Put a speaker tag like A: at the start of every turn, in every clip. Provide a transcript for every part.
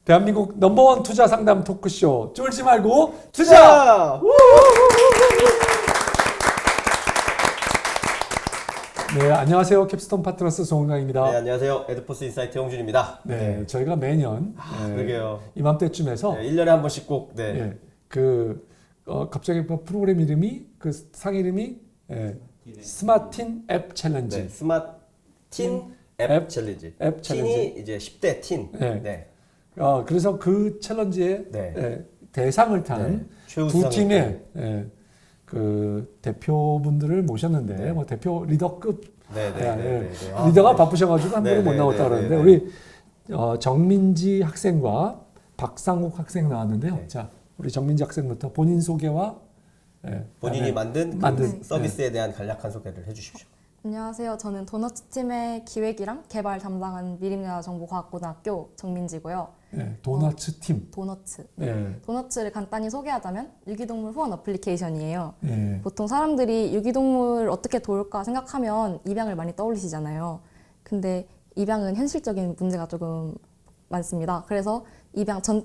A: 대한민국 넘버원 투자 상담 토크쇼 쫄지 말고 투자! 네, 안녕하세요. 캡스톤 파트너스 송은강입니다.
B: 네, 안녕하세요. 에드포스 인사이트 홍준입니다.
A: 네, 저희가 매년
B: 그러게요.
A: 이맘때쯤에서
B: 1년에 한 번씩 꼭
A: 갑자기 프로그램 이름이 상 이름이 스마틴 앱 챌린지.
B: 네, 스마틴 앱 챌린지.
A: 앱 챌린지.
B: 틴이 이제 10대 틴.
A: 네. 그래서 그 챌린지에
B: 네.
A: 대상을 탄 두 팀의 그 대표분들을 모셨는데 뭐 대표 리더급 리더가 바쁘셔가지고 한 번은 못 나왔다 그러는데 우리 정민지 학생과 박상욱 학생 나왔는데요. 자, 우리 정민지 학생부터 본인 소개와
B: 본인이 만든 서비스에 대한 간략한 소개를 해주십시오.
C: 안녕하세요. 저는 도너츠 팀의 기획이랑 개발 담당한 미림여자정보과학고등학교 정민지고요.
A: 네, 도너츠 팀.
C: 도너츠.
A: 네.
C: 도너츠를 간단히 소개하자면 유기동물 후원 어플리케이션이에요.
A: 네.
C: 보통 사람들이 유기동물 어떻게 도울까 생각하면 입양을 많이 떠올리시잖아요. 근데 입양은 현실적인 문제가 조금 많습니다. 그래서 입양 전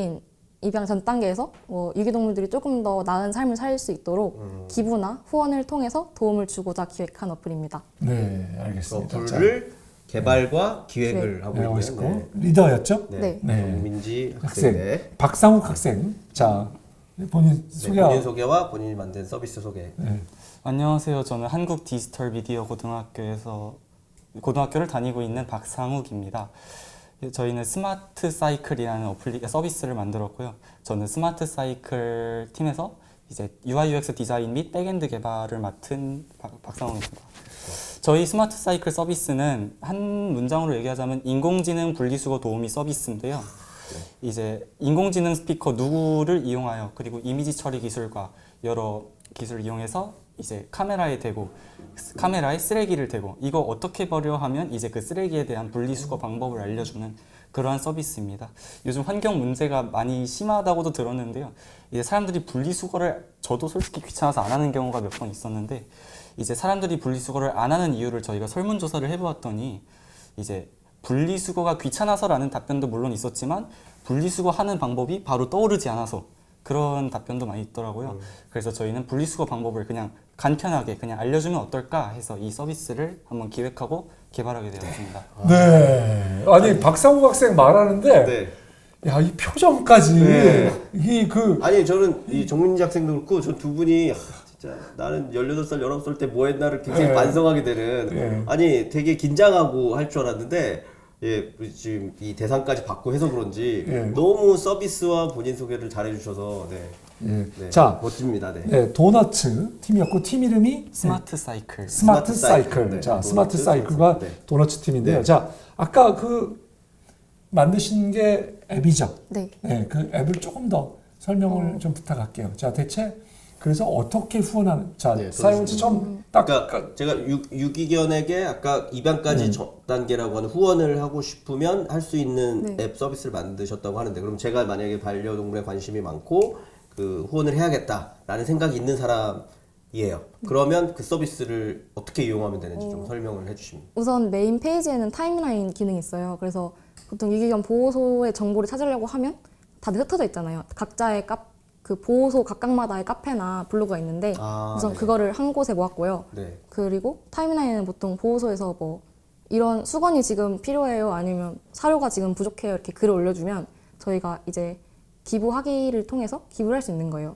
C: 단계에서 유기동물들이 조금 더 나은 삶을 살 수 있도록 기부나 후원을 통해서 도움을 주고자 기획한 어플입니다.
A: 네, 알겠습니다.
B: 어플을 개발과 기획을 하고 있는
A: 리더였죠?
C: 네.
B: 정민지 학생.
A: 박상욱 학생. 자, 본인 소개.
B: 본인 소개와 본인이 만든 서비스 소개.
D: 안녕하세요. 저는 한국 디지털 미디어 고등학교를 다니고 있는 박상욱입니다. 저희는 스마트 사이클이라는 서비스를 만들었고요. 저는 스마트 사이클 팀에서 이제 UI UX 디자인 및 백엔드 개발을 맡은 박상욱입니다. 저희 스마트 사이클 서비스는 한 문장으로 얘기하자면 인공지능 분리수거 도우미 서비스인데요. 이제 인공지능 스피커 누구를 이용하여 그리고 이미지 처리 기술과 여러 기술을 이용해서 이제 카메라에 쓰레기를 대고 이거 어떻게 버려 하면 이제 그 쓰레기에 대한 분리수거 방법을 알려주는 그러한 서비스입니다. 요즘 환경 문제가 많이 심하다고도 들었는데요. 이제 사람들이 분리수거를 저도 솔직히 귀찮아서 안 하는 경우가 몇 번 있었는데 이제 사람들이 분리수거를 안 하는 이유를 저희가 설문조사를 해보았더니 이제 분리수거가 귀찮아서라는 답변도 물론 있었지만 분리수거하는 방법이 바로 떠오르지 않아서 그런 답변도 많이 있더라고요. 그래서 저희는 분리수거 방법을 그냥 간편하게 그냥 알려주면 어떨까 해서 이 서비스를 한번 기획하고 개발하게 되었습니다.
A: 네. 아니 박상욱 학생 말하는데 야, 이 표정까지
B: 아니 저는 이 정민지 학생도 그렇고 저 두 분이 진짜 나는 18살, 19살 때 뭐 했나를 굉장히 반성하게 되는 아니 되게 긴장하고 할 줄 알았는데 지금 이 대상까지 받고 해서 그런지 너무 서비스와 본인 소개를 잘 해주셔서
A: 자,
B: 멋집니다.
A: 도너츠 팀이었고 팀 이름이
D: 스마트 사이클.
A: 스마트 사이클. 자, 스마트 사이클과 도너츠 팀인데요. 자, 아까 만드신 게 앱이죠?
C: 네.
A: 그 앱을 조금 더 설명을 좀 부탁할게요. 자, 대체 그래서 어떻게 후원하는? 자, 사용자 처음
B: 그러니까 제가 유기견에게 아까 입양까지 전 단계라고 하는 후원을 하고 싶으면 할 수 있는 앱 서비스를 만드셨다고 하는데 그럼 제가 만약에 반려동물에 관심이 많고 그 후원을 해야겠다라는 생각이 있는 사람이에요. 그러면 그 서비스를 어떻게 이용하면 되는지 좀 설명을 해주시면.
C: 우선 메인 페이지에는 타임라인 기능이 있어요. 그래서 보통 유기견 보호소의 정보를 찾으려고 하면 다들 흩어져 있잖아요. 각자의 그 보호소 각각마다의 카페나 블로그가 있는데 우선 그거를 한 곳에 모았고요. 그리고 타임라인은 보통 보호소에서 뭐 이런 수건이 지금 필요해요 아니면 사료가 지금 부족해요 이렇게 글을 올려주면 저희가 이제 기부하기를 통해서 기부를 할 수 있는 거예요.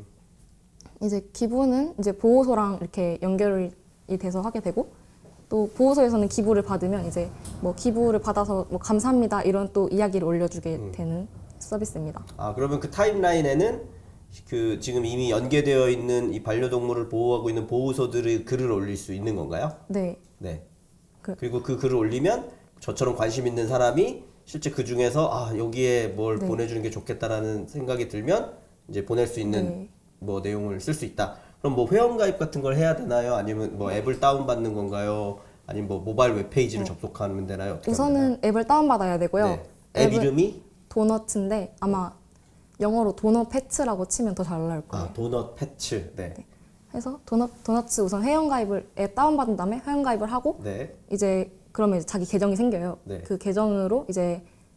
C: 이제 기부는 이제 보호소랑 이렇게 연결이 돼서 하게 되고 또 보호소에서는 기부를 받으면 이제 뭐 기부를 받아서 뭐 감사합니다 이런 또 이야기를 올려주게 되는 서비스입니다.
B: 그러면 그 타임라인에는 그 지금 이미 연계되어 있는 이 반려동물을 보호하고 있는 보호소들의 글을 올릴 수 있는 건가요?
C: 네.
B: 그리고 그 글을 올리면 저처럼 관심 있는 사람이 실제 그 중에서 여기에 뭘 보내주는 게 좋겠다라는 생각이 들면 이제 보낼 수 있는 뭐 내용을 쓸 수 있다. 그럼 뭐 회원가입 같은 걸 해야 되나요? 아니면 뭐 앱을 다운받는 건가요? 아니면 뭐 모바일 웹페이지를 접속하면 되나요?
C: 우선은 앱을 다운받아야 되고요.
B: 앱 이름이?
C: 도너츠인데 아마 영어로 도넛 패츠라고 치면 더 잘 나올 거예요.
B: 도넛 패츠.
C: 해서 도너츠 우선 회원가입을 앱 다운받은 다음에 회원가입을 하고 이제 그러면 이제 자기 계정이 생겨요. 그 계정으로 이제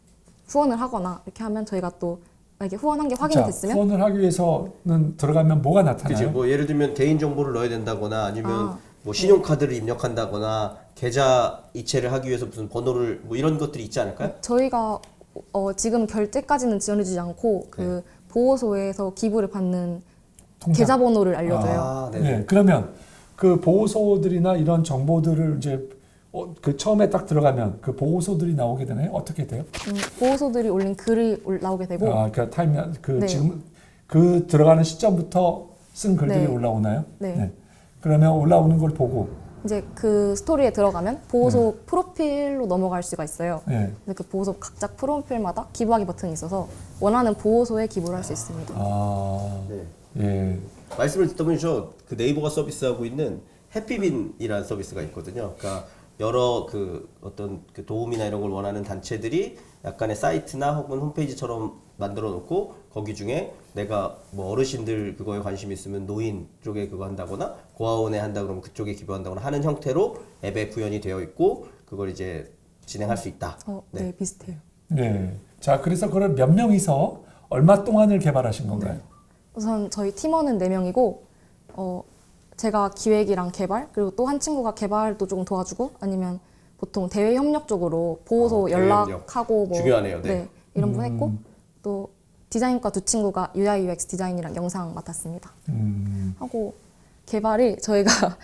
C: 후원을 하거나 이렇게 하면 저희가 또 만약에 후원한 게 확인이
A: 자,
C: 됐으면
A: 후원을 하기 위해서는 들어가면 뭐가 나타나요?
B: 그치. 뭐 예를 들면 개인 정보를 넣어야 된다거나 아니면 뭐 신용카드를 입력한다거나 계좌 이체를 하기 위해서 무슨 번호를 뭐 이런 것들이 있지 않을까요?
C: 저희가 지금 결제까지는 지원해주지 않고 그 보호소에서 기부를 받는
A: 통장.
C: 계좌번호를 알려줘요.
B: 아, 네.
A: 네, 그러면 그 보호소들이나 이런 정보들을 이제 그 처음에 딱 들어가면 그 보호소들이 나오게 되나요? 어떻게 돼요?
C: 보호소들이 올린 글이 나오게 되고
A: 그 타임라인
C: 네.
A: 지금 그 들어가는 시점부터 쓴 글들이
C: 네.
A: 올라오나요?
C: 네.
A: 그러면 올라오는 걸 보고
C: 이제 그 스토리에 들어가면 보호소 프로필로 넘어갈 수가 있어요.
A: 네.
C: 근데 그 보호소 각자 프로필마다 기부하기 버튼이 있어서 원하는 보호소에 기부를 할 수 있습니다.
B: 네.
A: 예.
B: 말씀을 듣다 보니 저 그 네이버가 서비스하고 있는 해피빈이라는 서비스가 있거든요. 그러니까 여러 그 어떤 그 도움이나 이런 걸 원하는 단체들이 약간의 사이트나 혹은 홈페이지처럼 만들어 놓고 거기 중에 내가 뭐 어르신들 그거에 관심 있으면 노인 쪽에 그거 한다거나 고아원에 한다 그러면 그쪽에 기부한다거나 하는 형태로 앱에 구현이 되어 있고 그걸 이제 진행할 수 있다.
C: 네, 비슷해요.
A: 네. 자, 그래서 그걸 몇 명이서 얼마 동안을 개발하신 건가요?
C: 우선 저희 팀원은 4명이고 제가 기획이랑 개발 그리고 또 한 친구가 개발도 조금 도와주고 아니면 보통 대외 협력 쪽으로 보호소
B: 대외
C: 연락하고 뭐
B: 중요하네요. 네.
C: 이런 분 했고 또 디자인과 두 친구가 UI UX 디자인이랑 영상 맡았습니다. 하고 개발이 저희가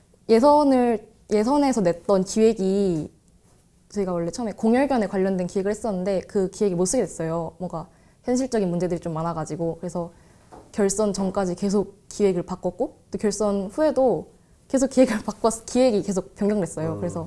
C: 예선에서 냈던 기획이 저희가 원래 처음에 공열견에 관련된 기획을 했었는데 그 기획이 못 쓰게 됐어요. 뭔가 현실적인 문제들이 좀 많아가지고 그래서 결선 전까지 계속 기획을 바꿨고 또 결선 후에도 계속 기획을 바꿔서 기획이 계속 변경됐어요. 그래서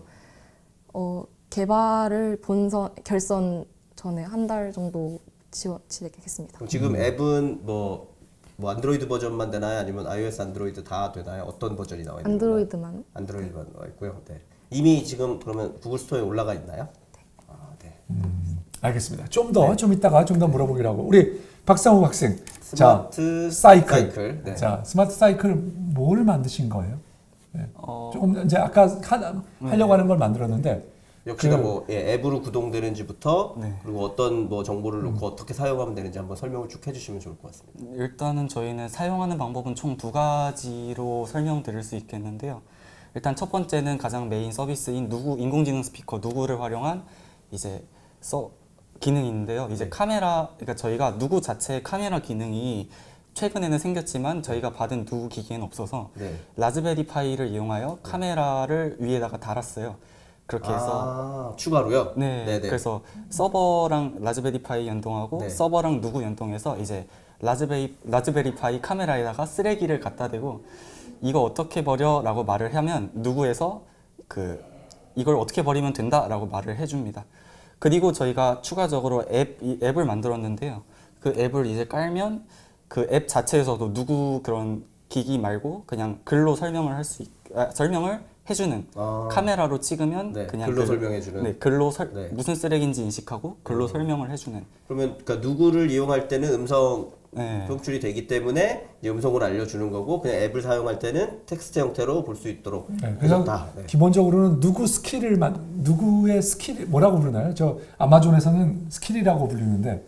C: 개발을 결선 전에 한 달 정도 진행했습니다.
B: 그럼 지금 앱은 뭐 안드로이드 버전만 되나요? 아니면 iOS, 안드로이드 다 되나요? 어떤 버전이 나와 있나요?
C: 안드로이드만.
B: 안드로이드만 나와 있고요. 네. 이미 지금 그러면 구글 스토어에 올라가 있나요? 네. 아, 네.
A: 알겠습니다. 좀 이따가 좀 더 물어보기로 하고 우리 박상욱 학생.
B: 스마트
A: 사이클.
B: 네.
A: 자, 스마트 사이클 뭘 만드신 거예요? 네. 조금 이제 아까 하려고 하는 걸 만들었는데
B: 역시나 앱으로 구동되는지부터 그리고 어떤 뭐 정보를 넣고 어떻게 사용하면 되는지 한번 설명을 쭉 해주시면 좋을 것 같습니다.
D: 일단은 저희는 사용하는 방법은 총 2가지로 설명드릴 수 있겠는데요. 일단 첫 번째는 가장 메인 서비스인 인공지능 스피커 누구를 활용한 이제 기능인데요. 이제 카메라, 그러니까 저희가 누구 자체의 카메라 기능이 최근에는 생겼지만 저희가 받은 누구 기기에는 없어서 라즈베리 파이를 이용하여 카메라를 위에다가 달았어요. 그렇게 해서
B: 추가로요?
D: 네네. 그래서 서버랑 라즈베리 파이 연동하고 서버랑 누구 연동해서 이제 라즈베리 파이 카메라에다가 쓰레기를 갖다 대고 이거 어떻게 버려? 라고 말을 하면 누구에서 이걸 어떻게 버리면 된다? 라고 말을 해줍니다. 그리고 저희가 추가적으로 앱을 만들었는데요. 그 앱을 이제 깔면 그 앱 자체에서도 누구 그런 기기 말고 그냥 글로 설명을 설명을 해주는 카메라로 찍으면 그냥
B: 글로 설명해주는
D: 글로 무슨 쓰레기인지 인식하고 글로 설명을 해주는.
B: 그러면 그러니까 누구를 이용할 때는 음성 송출이 되기 때문에 이제 음성으로 알려주는 거고 그냥 앱을 사용할 때는 텍스트 형태로 볼 수 있도록
A: 그래서 기본적으로는 누구의 스킬 뭐라고 부르나요? 저 아마존에서는 스킬이라고 불리는데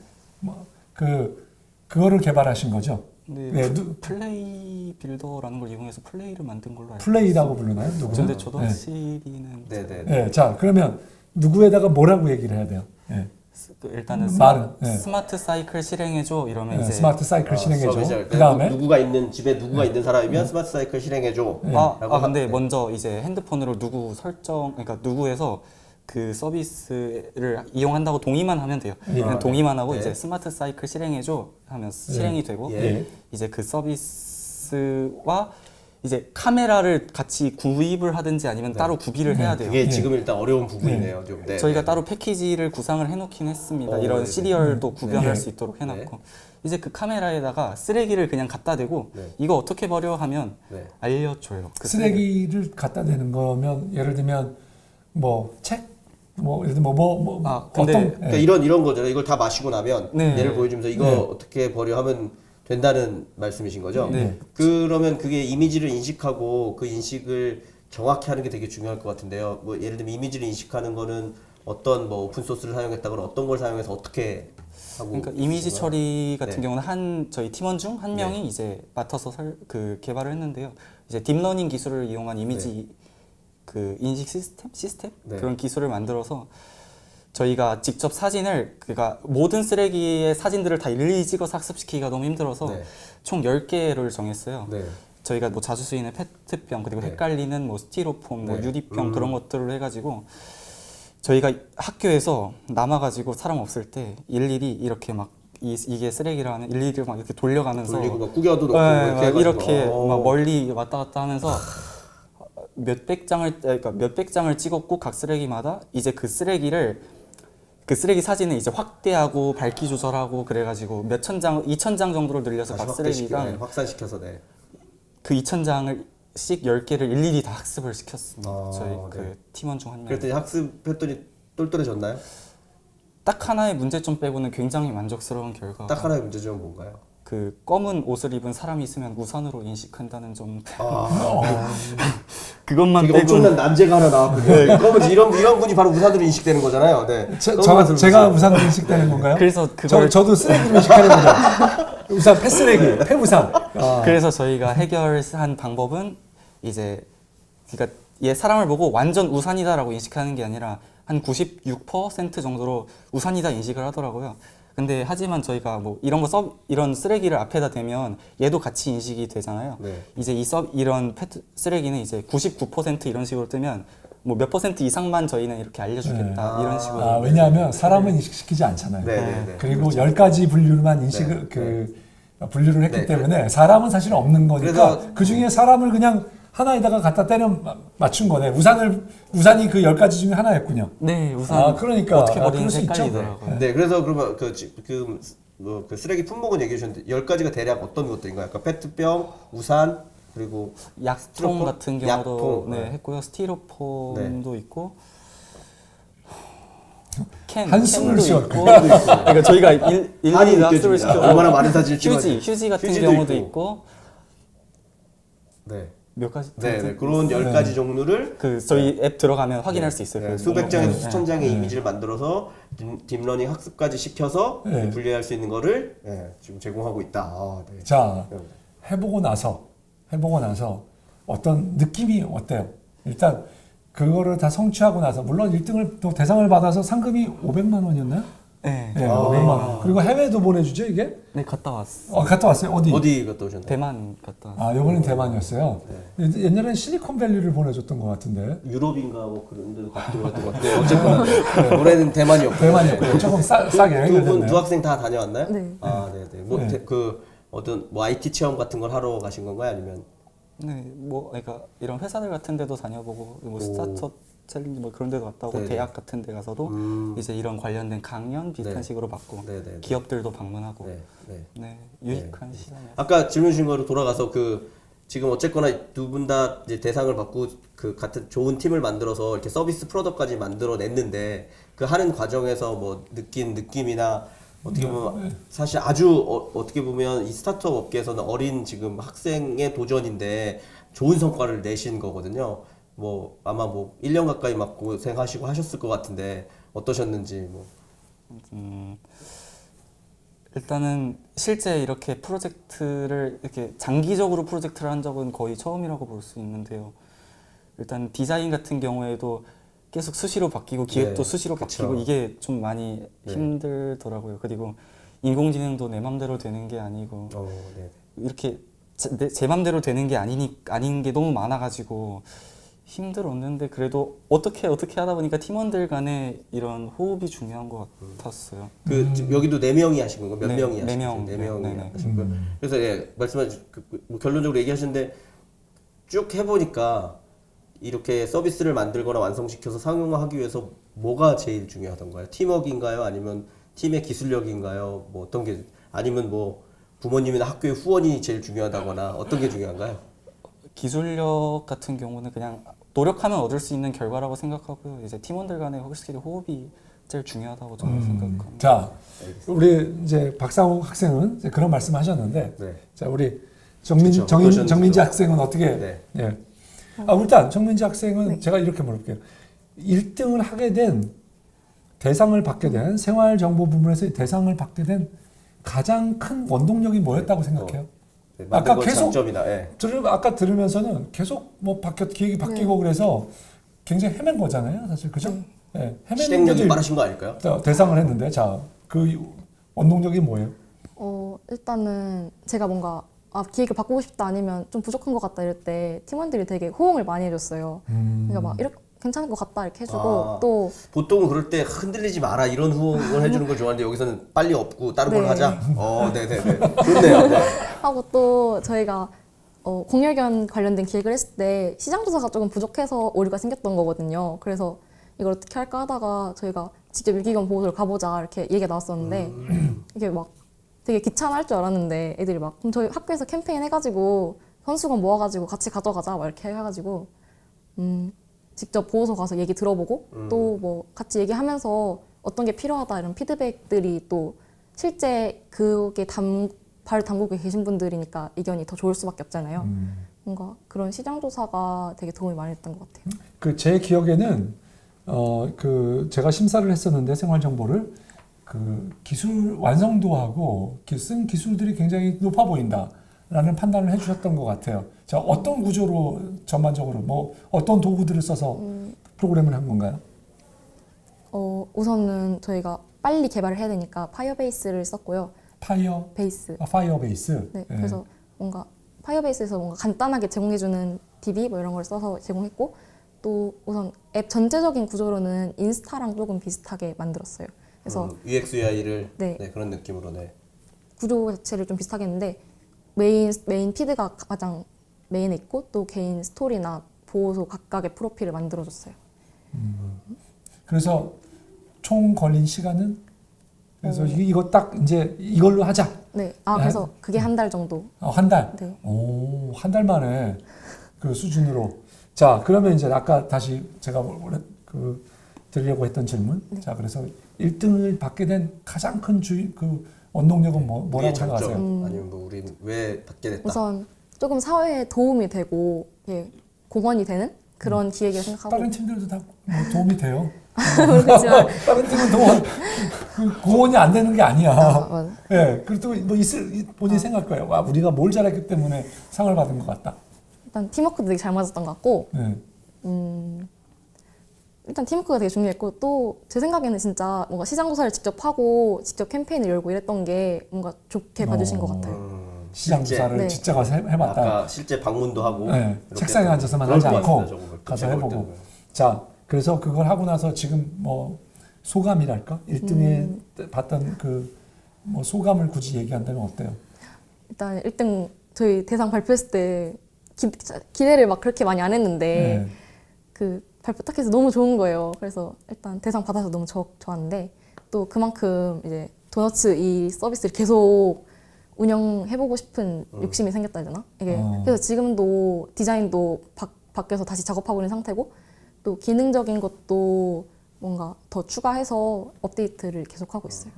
A: 그거를 개발하신 거죠?
D: 네, 플레이 빌더라는 걸 이용해서 플레이를 만든 걸로 알고
A: 플레이라고 부르나요?
D: 근데 저도 확실히는
A: 네, 자 그러면 누구에다가 뭐라고 얘기를 해야 돼요?
D: 일단은 스마트 사이클 실행해줘 이러면 이제
A: 스마트 사이클 실행해줘.
B: 그다음에 집에 누구가 있는 사람이면 스마트 사이클 실행해줘.
D: 근데 먼저 이제 핸드폰으로 누구 그러니까 누구에서 그 서비스를 이용한다고 동의만 하면 돼요. 그냥 동의만 하고 이제 스마트 사이클 실행해줘 하면 실행이 되고 이제 그 서비스와 이제 카메라를 같이 구입을 하든지 아니면 따로 구비를 해야 돼요.
B: 그게 지금 일단 어려운 부분이네요. 좀.
D: 저희가 따로 패키지를 구상을 해놓긴 했습니다. 이런 시리얼도 구별할 수 있도록 해놨고 이제 그 카메라에다가 쓰레기를 그냥 갖다 대고 이거 어떻게 버려 하면 알려줘요. 그
A: 쓰레기를 갖다 대는 거면 예를 들면 책? 예를 들면
B: 그러니까 이런 거잖아요. 이걸 다 마시고 나면 얘를 보여주면서 이거 어떻게 버려 하면 된다는 말씀이신 거죠? 그러면 그게 이미지를 인식하고 그 인식을 정확히 하는 게 되게 중요할 것 같은데요. 예를 들면 이미지를 인식하는 거는 어떤 뭐 오픈 소스를 사용했다거나 어떤 걸 사용해서 어떻게 하고
D: 그러니까 이미지
B: 있어요?
D: 처리 같은
B: 네.
D: 경우는 저희 팀원 중 한 명이 이제 맡아서 개발을 했는데요. 이제 딥러닝 기술을 이용한 이미지 그 인식 시스템
B: 네.
D: 그런 기술을 만들어서 저희가 직접 사진을 그러니까 모든 쓰레기의 사진들을 다 일일이 찍어서 학습시키기가 너무 힘들어서
B: 네.
D: 총 10개를 정했어요.
B: 네.
D: 저희가 뭐 자주 쓰이는 페트병 그리고
B: 네.
D: 헷갈리는 뭐 스티로폼, 뭐
B: 네.
D: 유리병 그런 것들을 해가지고 저희가 학교에서 남아가지고 사람 없을 때 일일이 이렇게 막 이게 쓰레기라는 일일이 막 이렇게 돌려가면서
B: 돌리고 막 구겨도 놓고
D: 네,
B: 이렇게 해가지고.
D: 이렇게 막 멀리 왔다 갔다 하면서 몇백 장을 찍었고 각 쓰레기마다 이제 그 쓰레기 사진을 이제 확대하고 밝기 조절하고 그래가지고 몇천 장, 2,000장 정도로 늘려서
B: 다시
D: 각 쓰레기랑
B: 확산시켜서 네.
D: 그 2,000장을 씩 10개를 일일이 다 학습을 시켰습니다.
B: 아,
D: 저희
B: 네.
D: 그 팀원 중 한 명.
B: 그랬더니 학습했더니 똘똘해졌나요?
D: 딱 하나의 문제점 빼고는 굉장히 만족스러운 결과.
B: 딱 하나의 문제점은 뭔가요?
D: 그 검은 옷을 입은 사람이 있으면 우산으로 인식한다는 점. 그것만
B: 되게
D: 빼고
B: 엄청난 난제가 하나 나왔거든요. 그러면 이런 분이 바로 우산으로 인식되는 거잖아요. 네.
A: 제가 우산으로 인식되는 건가요?
D: 그래서 그걸
A: 저도 쓰레기로 인식하는 거죠. 우산, 폐쓰레기, 폐우산.
D: 그래서 저희가 해결한 방법은 이제 그러니까 얘 사람을 보고 완전 우산이다라고 인식하는 게 아니라 한 96% 정도로 우산이다 인식을 하더라고요. 근데 하지만 저희가 뭐 이런 쓰레기를 앞에다 대면 얘도 같이 인식이 되잖아요.
B: 네.
D: 이제 이런 쓰레기는 이제 99% 이런 식으로 뜨면 뭐 몇 % 이상만 저희는 이렇게 알려주겠다
A: 네.
D: 이런 식으로.
A: 왜냐하면 사람은 인식시키지 않잖아요.
B: 네, 네, 네.
A: 그리고 10가지 분류만 인식을 분류를 했기 때문에 사람은 사실 없는 거니까
B: 그래서-
A: 그 중에 사람을 그냥 하나에다가 갖다 때려 맞춘 거네. 우산이 그 10가지 중에 하나였군요.
D: 네, 우산.
A: 그러니까
D: 어떻게 버리는지
A: 그럴 수 있죠.
D: 헷갈리더라고요.
B: 네, 그래서 그러면 그 쓰레기 품목은 얘기해 주셨는데 10가지가 대략 어떤 것들인가요? 아까 페트병, 우산, 그리고
D: 약통
B: 스티로폼?
D: 같은 경우도
B: 약통,
D: 네,
B: 네.
D: 했고요. 스티로폼도 있고
A: 한숨을
D: 캔도
A: 쉬어.
D: 있고 그러니까 저희가 일일이
B: 한이
D: 학습을
B: 느껴집니다.
D: 시켜
B: 얼마나 많은 사진을 찍었는지.
D: 휴지 같은
B: 휴지도
D: 경우도
B: 있고.
D: 있고
B: 네.
D: 몇 가지
B: 네, 그런 10가지 종류를
D: 그 저희 앱 들어가면 확인할 수 있어요.
B: 네,
D: 그
B: 수백
D: 목록.
B: 장에서
D: 네.
B: 수천 장의 이미지를 만들어서 딥러닝 학습까지 시켜서
A: 네.
B: 분리할 수 있는 거를 지금 제공하고 있다. 네.
A: 자, 해보고 나서 어떤 느낌이 어때요? 일단 그거를 다 성취하고 나서 물론 1등을 또 대상을 받아서 상금이 500만 원이었나요?
D: 네.
A: 네, 500만 원. 그리고 해외도 보내주죠 이게?
D: 네, 갔다 왔어.
A: 갔다 왔어요.
B: 어디 갔다 오셨나요?
D: 대만 갔다 왔어.
A: 이번엔 대만이었어요. 옛날엔 실리콘밸리를 보내줬던 것 같은데.
B: 유럽인가 뭐 그런 데도 갔던 것 같은데 어쨌거나 올해는 대만이었고
A: 대만이었고 조금 싸게
B: 두
A: 해결됐네요.
B: 학생 다 다녀왔나요?
C: 네.
B: 네네. 뭐
A: 네.
B: 그 어떤 뭐 IT 체험 같은 걸 하러 가신 건가요? 아니면
D: 네, 뭐 그러니까 이런 회사들 같은 데도 다녀보고 뭐 스타트업 챌린지 뭐 그런 데도 갔다 오고
B: 네네.
D: 대학 같은 데 가서도 이제 이런 관련된 강연 비슷한
B: 네.
D: 식으로 받고
B: 네네.
D: 기업들도 방문하고
B: 네. 네.
D: 네, 유익한 시간이었어요.
B: 아까 질문 주신 거로 돌아가서 지금 어쨌거나 두 분 다 이제 대상을 받고 그 같은 좋은 팀을 만들어서 이렇게 서비스 프로덕트까지 만들어냈는데 그 하는 과정에서 뭐 느낀 느낌이나 어떻게 보면 사실 아주 어떻게 보면 이 스타트업 업계에서는 어린 지금 학생의 도전인데 좋은 성과를 내신 거거든요. 뭐 아마 뭐 1년 가까이 막 고생하시고 하셨을 것 같은데 어떠셨는지 뭐.
D: 일단은 실제 이렇게 프로젝트를 이렇게 장기적으로 프로젝트를 한 적은 거의 처음이라고 볼 수 있는데요. 일단 디자인 같은 경우에도 계속 수시로 바뀌고 기획도
B: 네,
D: 수시로
B: 그쵸.
D: 바뀌고 이게 좀 많이 힘들더라고요. 그리고 인공지능도 내 맘대로 되는 게 아니고
B: 네.
D: 이렇게 제 맘대로 되는 게 아닌 게 너무 많아가지고 힘들었는데 그래도 어떻게 하다 보니까 팀원들 간에 이런 호흡이 중요한 것 같았어요.
B: 지금 여기도 4명이 하신 건가요? 몇
D: 네,
B: 명이
D: 네
B: 하신
D: 명.
B: 거죠? 4명이
D: 네네.
B: 하신 거예요. 그래서 말씀하신 뭐 결론적으로 얘기하시는데 쭉 해보니까 이렇게 서비스를 만들거나 완성시켜서 상용화하기 위해서 뭐가 제일 중요하던가요? 팀워크인가요? 아니면 팀의 기술력인가요? 뭐 어떤 게 아니면 뭐 부모님이나 학교의 후원이 제일 중요하다거나 어떤 게 중요한가요?
D: 기술력 같은 경우는 그냥 노력하면 얻을 수 있는 결과라고 생각하고요. 이제 팀원들 간의 확실히 호흡이 제일 중요하다고 저는 생각합니다.
A: 자, 우리 이제 박상욱 학생은 이제 그런 말씀하셨는데,
B: 네.
A: 자 우리
B: 그쵸, 어떠셨는지요?
A: 정민지 학생은 어떻게?
B: 네.
A: 일단 정민지 학생은 제가 이렇게 물어볼게요. 1등을 하게 된 대상을 받게 된 생활정보 부문에서 대상을 받게 된 가장 큰 원동력이 뭐였다고 생각해요?
B: 네,
A: 아까
B: 만든 건
A: 계속
B: 장점이다. 예.
A: 아까 들으면서는 계속 뭐 기획이 바뀌고 그래서 굉장히 헤맨 거잖아요, 사실 그죠? 네.
B: 실행력이 빠르신 거 아닐까요?
A: 대상을 했는데 자, 그 원동력이 뭐예요?
C: 일단은 제가 뭔가 기획을 바꾸고 싶다 아니면 좀 부족한 것 같다 이럴 때 팀원들이 되게 호응을 많이 해줬어요. 그러니까 막 이렇게 괜찮은 것 같다 이렇게 해주고 또
B: 보통은 그럴 때 흔들리지 마라 이런 후원을 해주는 걸 좋아하는데 여기서는 빨리 없고 다른 걸
C: 네.
B: 하자. 네네네. 좋네요. 네.
C: 하고 또 저희가 공열견 관련된 기획을 했을 때 시장 조사가 조금 부족해서 오류가 생겼던 거거든요. 그래서 이걸 어떻게 할까 하다가 저희가 직접 유기견 보호소를 가보자 이렇게 얘기가 나왔었는데 이게 막 되게 귀찮아할 줄 알았는데 애들이 막 그럼 저희 학교에서 캠페인 해가지고 선수건 모아가지고 같이 가져가자 막 이렇게 해가지고 직접 보호소 가서 얘기 들어보고 또 뭐 같이 얘기하면서 어떤 게 필요하다 이런 피드백들이 또 실제 그게 발 담그고 계신 분들이니까 의견이 더 좋을 수밖에 없잖아요. 뭔가 그런 시장 조사가 되게 도움이 많이 됐던 것 같아요.
A: 그 제 기억에는 제가 심사를 했었는데 생활 정보를 그 기술 완성도하고 쓴 기술들이 굉장히 높아 보인다라는 판단을 해주셨던 것 같아요. 자, 어떤 구조로 전반적으로 뭐 어떤 도구들을 써서 프로그램을 한 건가요?
C: 우선은 저희가 빨리 개발을 해야 되니까 파이어베이스를 썼고요.
A: 파이어베이스.
C: 네, 그래서 뭔가 파이어베이스에서 뭔가 간단하게 제공해주는 DB 뭐 이런 걸 써서 제공했고 또 우선 앱 전체적인 구조로는 인스타랑 조금 비슷하게 만들었어요. 그래서
B: UX, UI를
C: 네.
B: 그런 느낌으로
C: 구조 자체를 좀 비슷하게 했는데 메인 피드가 가장 메인에 있고 또 개인 스토리나 보호소 각각의 프로필을 만들어줬어요.
A: 그래서 총 걸린 시간은 그래서 이거 딱 이제 이걸로 하자.
C: 네, 그래서 그게 한 달 정도.
A: 한 달.
C: 네.
A: 오, 한 달 만에 그 수준으로. 자, 그러면 이제 아까 다시 제가 원래 드리려고 했던 질문.
C: 네.
A: 자, 그래서 1등을 받게 된 가장 큰 원동력은 뭐라고 생각하세요?
B: 아니면 뭐 우리는 왜 받게 됐다?
C: 우선 조금 사회에 도움이 되고 공헌이 되는 그런 기획을 생각하고.
A: 다른 팀들도 다 뭐 도움이 돼요.
C: 그렇지만
A: 다른 팀은 공헌이 안 되는 게 아니야.
C: 맞아.
A: 예, 그래도 뭐 본인이 생각할 거예요. 와, 우리가 뭘 잘했기 때문에 상을 받은 것 같다.
C: 일단 팀워크도 되게 잘 맞았던 것 같고
A: 네.
C: 일단 팀워크가 되게 중요했고 또 제 생각에는 진짜 뭔가 시장 조사를 직접 하고 직접 캠페인을 열고 이랬던 게 뭔가 좋게 봐주신 것 같아요.
A: 시장 조사를
C: 네.
A: 직접 가서 해봤다.
B: 아까 실제 방문도 하고
A: 네, 책상에 앉아서만 하지 않고 가서 해보고. 자, 그래서 그걸 하고 나서 지금 뭐 소감이랄까? 1등에 봤던 뭐 소감을 굳이 얘기한다면 어때요?
C: 일단 1등 저희 대상 발표했을 때 기대를 막 그렇게 많이 안 했는데
A: 네.
C: 그 발표 딱 해서 너무 좋은 거예요. 그래서 일단 대상 받아서 너무 좋았는데 또 그만큼 이제 도너츠 이 서비스를 계속 운영해보고 싶은 욕심이 생겼다 해야 되나? 이게 그래서 지금도 디자인도 바뀌어서 다시 작업하고 있는 상태고 또 기능적인 것도 뭔가 더 추가해서 업데이트를 계속하고 있어요.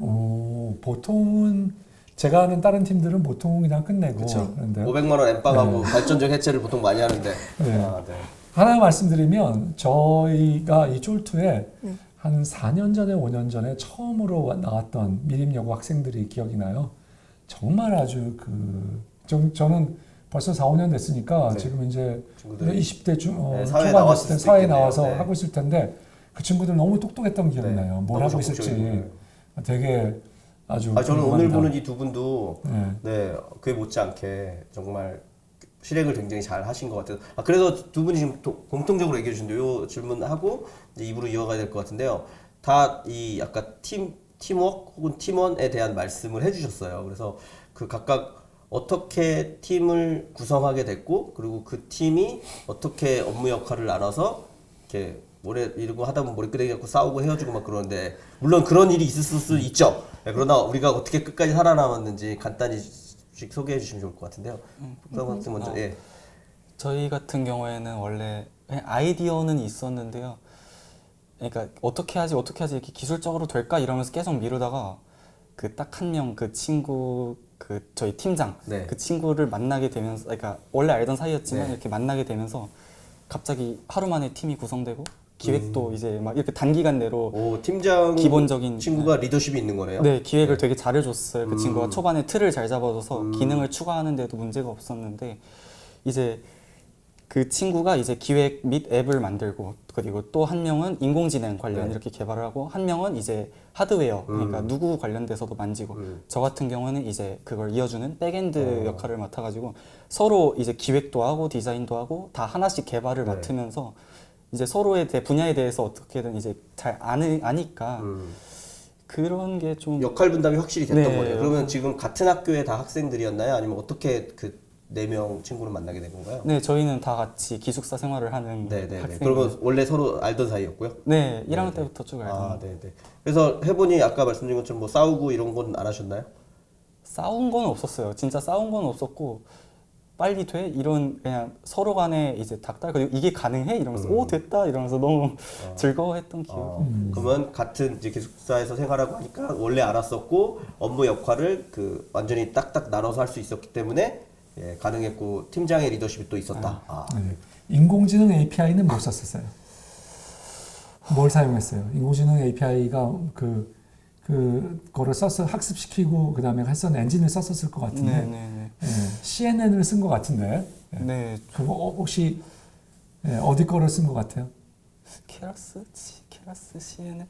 A: 보통은 제가 아는 다른 팀들은 보통 그냥 끝내고 그런데
B: 500만 원 엠빵하고 발전적 해체를 보통 많이 하는데
A: 네. 하나 말씀드리면 저희가 이 쫄투에 한 4년 전에 5년 전에 처음으로 나왔던 미림여고 학생들이 기억이 나요. 정말 아주 저는 벌써 4, 5년 됐으니까 지금 이제 20대 초반 됐을 때 사회에 나와서 하고 있을 텐데 그 친구들 너무 똑똑했던 기억이 나요. 뭘 하고 있을지 되게 아주
B: 저는 오늘 보는 이 두 분도 그에 못지않게 정말 실행을 굉장히 잘 하신 것 같아요. 그래서 두 분이 지금 공통적으로 얘기해 주신데 요 질문하고 이제 입으로 이어가야 될 것 같은데요. 다 이 아까 팀워크 혹은 팀원에 대한 말씀을 해주셨어요. 그래서 그 각각 어떻게 팀을 구성하게 됐고 그리고 그 팀이 어떻게 업무 역할을 나눠서 이렇게 이러고 하다 보면 머리끄댕이 갖고 싸우고 헤어지고 막 그러는데 물론 그런 일이 있을 수 있죠. 그러나 우리가 어떻게 끝까지 살아남았는지 간단히 소개해 주시면 좋을 것 같은데요. 박사님 먼저. 예.
D: 저희 같은 경우에는 원래 그냥 아이디어는 있었는데요. 그러니까 어떻게 하지 이렇게 기술적으로 될까 이러면서 계속 미루다가 그 딱 한 명 그 친구 저희 팀장 그 친구를 만나게 되면서 그러니까 원래 알던 사이였지만 이렇게 만나게 되면서 갑자기 하루 만에 팀이 구성되고 기획도 이제 막 이렇게 단기간 내로
B: 오, 팀장
D: 기본적인
B: 친구가 리더십이 있는 거네요.
D: 네, 기획을 되게 잘해줬어요. 그 친구가 초반에 틀을 잘 잡아줘서 기능을 추가하는데도 문제가 없었는데 이제 그 친구가 이제 기획 및 앱을 만들고 그리고 또 한 명은 인공지능 관련
B: 네.
D: 이렇게 개발을 하고 한 명은 이제 하드웨어 그러니까 누구 관련돼서도 만지고 저 같은 경우는 이제 그걸 이어주는 백엔드 역할을 맡아가지고 서로 이제 기획도 하고 디자인도 하고 다 하나씩 개발을
B: 네.
D: 맡으면서 이제 서로의 분야에 대해서 어떻게든 이제 잘 아니까 그런 게 좀
B: 역할 분담이 확실히 됐던
D: 네.
B: 거네요. 그러면 지금 같은 학교에 다 학생들이었나요? 아니면 어떻게 그 4명 친구를 만나게 된 건가요?
D: 네, 저희는 다 같이 기숙사 생활을 하는
B: 네네네.
D: 학생.
B: 그러면 원래 서로 알던 사이였고요?
D: 네, 1학년 때부터 쭉 알던.
B: 아, 네네. 그래서 해보니 아까 말씀드린 것처럼 뭐 싸우고 이런 건 안 하셨나요?
D: 싸운 건 없었어요. 진짜 싸운 건 없었고 빨리 돼 이런 그냥 서로 간에 이제 닥달 그리고 이게 가능해 이러면서 오 됐다 이러면서 너무 즐거워했던 기억.
B: 그러면 같은 이제 기숙사에서 생활하고 하니까 원래 알았었고 업무 역할을 그 완전히 딱딱 나눠서 할 수 있었기 때문에 예, 가능했고 팀장의 리더십이 또 있었다. 아.
A: 네. 인공지능 API는 못 썼었어요. 뭘 사용했어요? 인공지능 API가 그거를 써서 학습시키고 그 다음에 했던 엔진을 썼었을 것 같은데
D: 네.
A: 예, CNN을 쓴 것 같은데 예.
D: 네.
A: 그거 혹시 예, 어디 거를 쓴 것 같아요?
D: 케라스 CNN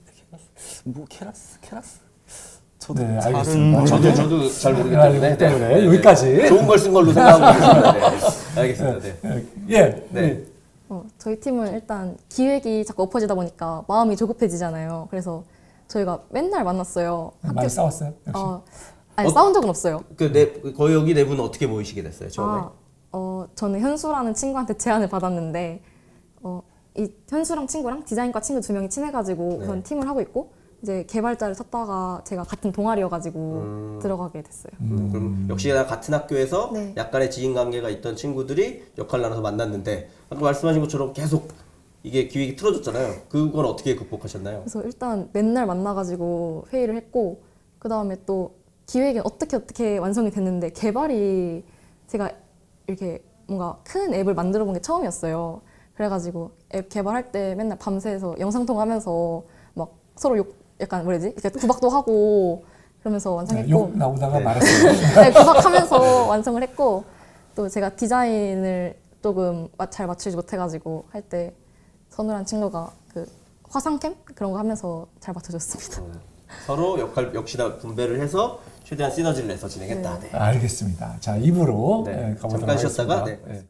D: 케라스 저도
A: 네,
D: 잘은
A: 알겠습니다.
B: 저도 잘 모르기 때문에,
A: 때문에 여기까지.
B: 좋은 걸 쓴 걸로 생각하고 있습니다. 네. 알겠습니다. 네.
A: 예.
B: 네.
C: 저희 팀은 일단 기획이 자꾸 엎어지다 보니까 마음이 조급해지잖아요. 그래서 저희가 맨날 만났어요.
A: 많이 싸웠어요. 역시.
C: 아니 싸운 적은 없어요.
B: 거의 여기 네 분은 어떻게 모이시게 됐어요, 처음에?
C: 저는 현수라는 친구한테 제안을 받았는데 이 현수랑 친구랑 디자인과 친구 2명이 친해가지고
B: 네.
C: 우선 팀을 하고 있고 이제 개발자를 찾다가 제가 같은 동아리여가지고 들어가게 됐어요.
B: 그럼 역시나 같은 학교에서
C: 네.
B: 약간의 지인 관계가 있던 친구들이 역할 나눠서 만났는데 아까 말씀하신 것처럼 계속 이게 기획이 틀어졌잖아요. 그건 어떻게 극복하셨나요?
C: 그래서 일단 맨날 만나가지고 회의를 했고 그 다음에 또 기획이 어떻게 완성이 됐는데 개발이 제가 이렇게 뭔가 큰 앱을 만들어 본 게 처음이었어요. 그래가지고 앱 개발할 때 맨날 밤새서 영상통화하면서 막 서로 약간 뭐라지? 이렇게 구박도 하고 그러면서 완성했고
A: 욕 나오다가 말았어요.
C: 네, 구박하면서 완성을 했고 또 제가 디자인을 조금 잘 맞추지 못해가지고 할 때 선우란 친구가 그 화상캠 그런 거 하면서 잘 맞춰줬습니다.
B: 서로 역할 역시나 분배를 해서 최대한 시너지를 내서 진행했다. 네.
A: 알겠습니다. 자, 입으로
B: 네.
A: 가보도록
B: 잠깐 쉬었다가
A: 하겠습니다.
B: 네.
A: 예.